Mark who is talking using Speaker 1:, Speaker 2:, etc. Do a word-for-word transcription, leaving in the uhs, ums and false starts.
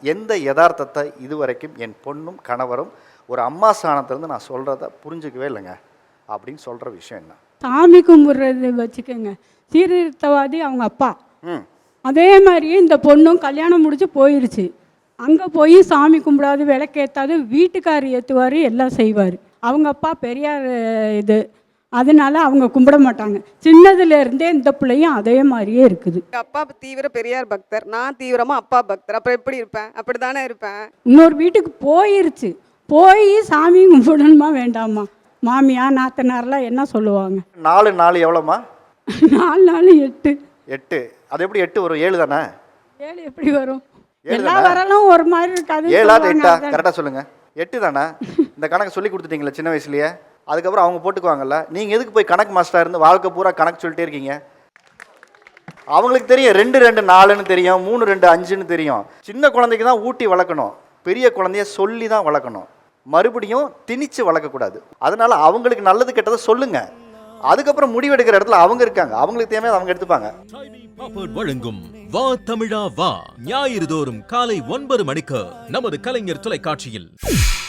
Speaker 1: எந்த யதார்த்தத்தை இதுவரைக்கும் என் பொண்ணும் கணவரும் ஒரு அம்மா ஸ்தானத்திலேருந்து நான் சொல்கிறத புரிஞ்சுக்கவே இல்லைங்க அப்படின்னு சொல்கிற விஷயம் என்ன?
Speaker 2: சாமி கும்பிட்றது வச்சுக்கோங்க, சீர்திருத்தவாதி அவங்க அப்பா.
Speaker 1: ம்
Speaker 2: அதே மாதிரியே இந்த பொண்ணும் கல்யாணம் முடிச்சு போயிடுச்சு. அங்கே போய் சாமி கும்பிடாது, விளக்கேற்றாது, வீட்டுக்கார் ஏற்றுவார், எல்லாம் செய்வார். அவங்க அப்பா பெரியார் இது, அதனால அவங்க கும்பிட மாட்டாங்க. சின்னதுலேருந்தே இந்த பிள்ளையும் அதே மாதிரியே இருக்குது.
Speaker 3: அப்பா தீவிர பெரியார் பக்தர், நான் தீவிரமாக அப்பா பக்தர். அப்புறம் எப்படி இருப்பேன்? அப்படி தானே இருப்பேன்.
Speaker 2: இன்னொரு வீட்டுக்கு போயிருச்சு, போய் சாமி கும்பிடணுமா வேண்டாமா? மாமியா நாத்தனாரெலாம் என்ன சொல்லுவாங்க?
Speaker 1: நாலு நாலு எவ்வளோம்மா?
Speaker 2: நாலு நாலு எட்டு.
Speaker 1: எட்டு. அது எப்படி எட்டு வரும்? ஏழு தானே?
Speaker 2: ஏழு எப்படி வரும்? எல்லா வரலும் ஒரு மாதிரி இருக்காது.
Speaker 1: ஏழா எட்டா? கரெக்டாக சொல்லுங்கள். எட்டு தானே? இந்த கணக்கு சொல்லி கொடுத்துட்டீங்களா சின்ன வயசுலேயே? அதுக்கப்புறம் அவங்க போட்டுக்குவாங்கல்ல. நீங்கள் எதுக்கு போய் கணக்கு மாஸ்டராக இருந்து வாழ்க்கை பூரா கணக்கு சொல்லிட்டே இருக்கீங்க? அவங்களுக்கு தெரியும் ரெண்டு ரெண்டு நாலுன்னு தெரியும், மூணு ரெண்டு அஞ்சுன்னு தெரியும். சின்ன குழந்தைக்கு தான் ஊட்டி வளர்க்கணும், பெரிய குழந்தைய சொல்லி தான் வளர்க்கணும். மறுபடியும் திணிச்சு வளர்க்கக்கூடாது. அதனால அவங்களுக்கு நல்லது கெட்டதை சொல்லுங்க. அதுக்கப்புறம் முடிவெடுக்கிற இடத்துல அவங்க இருக்காங்க, அவங்களுக்கு தேவையான அவங்க எடுத்துப்பாங்க.
Speaker 4: வழங்கும் வா தமிழா வா ஞாயிறு தோறும் காலை ஒன்பது மணிக்கு நமது கலைஞர் தொலைக்காட்சியில்.